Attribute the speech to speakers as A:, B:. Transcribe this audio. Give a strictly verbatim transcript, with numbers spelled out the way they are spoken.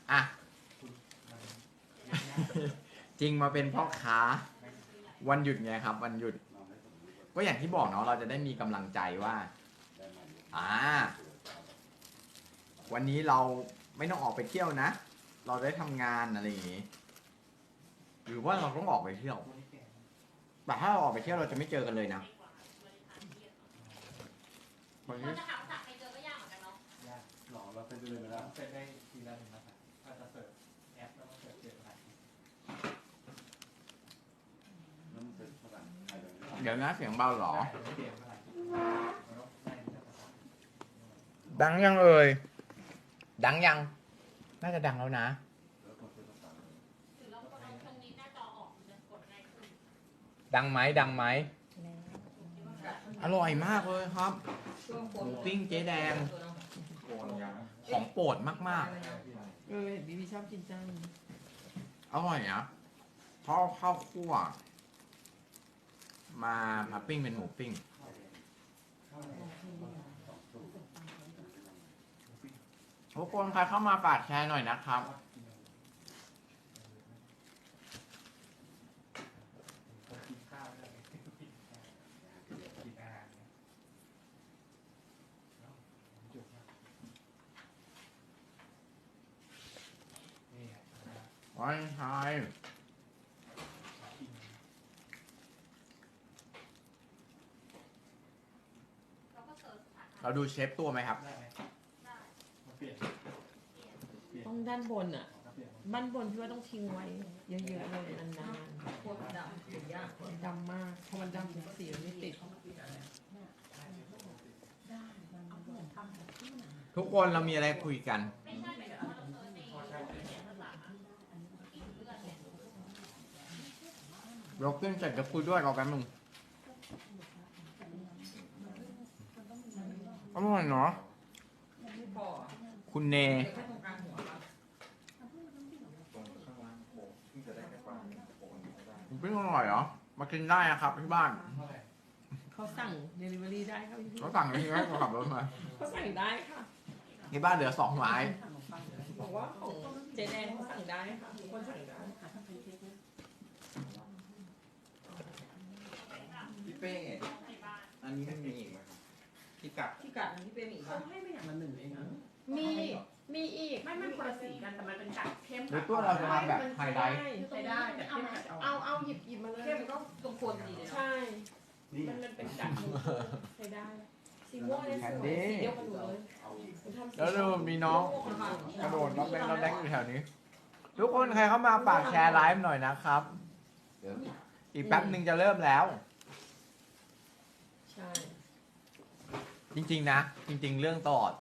A: อ่ะ จริงมาเป็นพ่อค้าวันหยุดไงครับ วันหยุด ก็อย่างที่บอกเนาะเราจะได้มีกำลังใจว่าอ่าวันนี้เราไม่ต้องออกไปเที่ยวนะ เราได้ทำงานอะไรอย่างงี้หรือว่าเราต้องออกไปเที่ยวแต่ถ้าเราออกไปเที่ยวเราจะไม่เจอกันเลยนะวันนี้
B: จะหาภาษาใครเจอก็ยากเหมือนกันเนาะ
C: ยากหรอเราเป็นเลยไปแล้ว
D: เสร็จได้ทีละหนึ่งภาษาถ้าจะเสิร์ฟแอปแล้วก็เสิร์ฟเจ็ดภาษา
C: แล้วมันเป็นภาษาไทยเลย
A: เดี๋ยวนะเสียงเบาเหรอ
D: ได้เปลี่ยนภาษาแล้วได้ทีละภาษา
A: ดังยังเอ่ยดังยัง น่าจะดังแล้วนะ
C: แล้วคนเป็นภาษาเลย
B: หรือเรากดเอาตรงนี้หน้าจอออกจะกดง่ายขึ้น
A: ดังไหมดังไหมอร่อยมากเลยครับหมูปิ้งเจ๊แดง
C: โกนยัง
A: ของโปรดมาก
E: เออบีบีชอบกินจัง
A: ๆ อร่อยนะเพราะข้าวคั่ว มามาปิ้งเป็นหมูปิ้ง ทุกคนใครเข้ามาฝากแชร์หน่อยนะครับ
D: กินข้าวได้กินกินอาหารเนี่ยจุกนี่ไง
A: วันไทย
B: เราก็เสิร์ชภาษา
A: เราดูเชฟตัวไหมครับ
D: ได้ไหม
B: ได้
D: มาเปลี่ยน
E: ต้องด้านบนอ่ะ
D: เปลี่ยน
E: บ้านบนพี่ว่าต้องทิ้งไว้ เยอะๆเลยนาน
F: โคตรดำถึงยาก
E: ๆดำมากเพราะมันดำถึงสีมันไม่ติด
A: ทุกคนเรามีอะไรคุยกัน
B: ไม่ใช่หมายถึงว่าเราเสิร์ชในเขียนภาษาอีกเพื่อนเนี่ย
A: เราขึ้นเสร็จจะคุยด้วยรอแป๊บนึงอร่อยเนาะ
F: ไม่พอ
A: คุณเน
F: เด็กแค่ตรงกลางหัวครับ
C: ตรงข้างล่างโกนที่จะได้แค่กวางโกนไม่ได้
A: หมูปิ้งอร่อยเหรอ มากินได้นะครับที่บ้าน
D: เท่าไหร่
E: เขาสั่งเดลิเวอรี่ได้ครับพี่
A: เขาสั่งที่ให้เขาขับรถมา
E: เขาสั่งได้ค่ะ
A: ที่บ้านเหลือสองไม้
E: บอกว่าของเจแดงเขาสั่งได้ค่ะทุกคนสั่งได้
A: พี่เป้อันนี้มันมีอีกไหมพี่กัด
F: ที่กัดที่เป็นอีก
E: เขาให้ไม่อย่างละหนึ่งเองนะ
F: มี
E: มีอีก
F: ไม่ไม่คนละสีกันแต่มันเป็นกัดเข้ม
A: หรือตัวเราจะมาแบบไฮไลท์
F: ใช้ได้แต่เข้มกัด
E: เอาเอาหยิบหยิบมาเลย
F: เข้มก็ตรงโคนดีเลยเนาะ
E: ใช่
C: นี่
E: มันมันเป็นกัดใช้ได้ สีม่วงเนี่ยสวยสีเดียวกันหมดเลยคุณทำสี
A: แล้วดูมีน้องกระโดดรอบแรกรอบแรกอยู่แถวนี้ ทุกคนใครเข้ามาฝากแชร์ไลฟ์หน่อยนะครับ เดี๋ยวอีกแป๊บหนึ่งจะเริ่มแล้ว
E: ใช่
A: จริงๆนะ จริง ๆ เรื่องตลอด